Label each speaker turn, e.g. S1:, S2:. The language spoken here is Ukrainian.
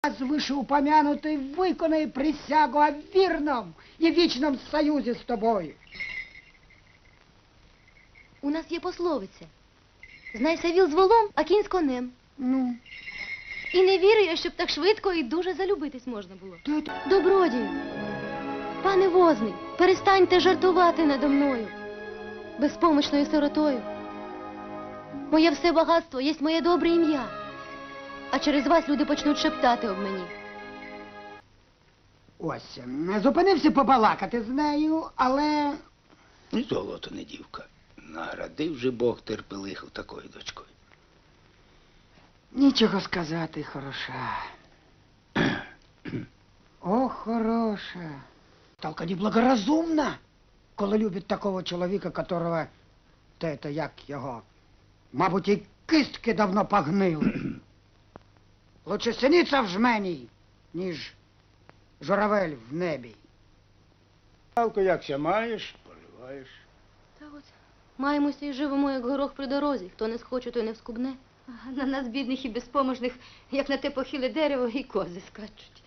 S1: Вышеупомянутый виконає присягу о вірном і вічном союзі з тобою.
S2: У нас є пословиця. Знайся віл з волом, а кінь з конем.
S1: Ну?
S2: І не вірю я, щоб так швидко і дуже залюбитись можна було. Добродію, пане возний, перестаньте жартувати надо мною, безпомічною сиротою. Моє все багатство є моє добре ім'я, а через вас люди почнуть шептати об мені.
S1: Ось, зупинився побалакати з нею, але...
S3: Ні золото, не дівка. Наградив же Бог терпелиху такою дочкою.
S1: Нічого сказати, хороша. О, хороша. Только неблагоразумно, коли любить такого чоловіка, которого, як його, мабуть, і кистки давно погнили. Лучше синиця в жмені, ніж журавель в небі.
S3: Палку якся маєш, поливаєш.
S2: Та от, маємося і живемо, як горох при дорозі. Хто не схоче, той не вскубне.
S4: На нас, бідних і безпоможних, як на те похиле дерево, і кози скачуть.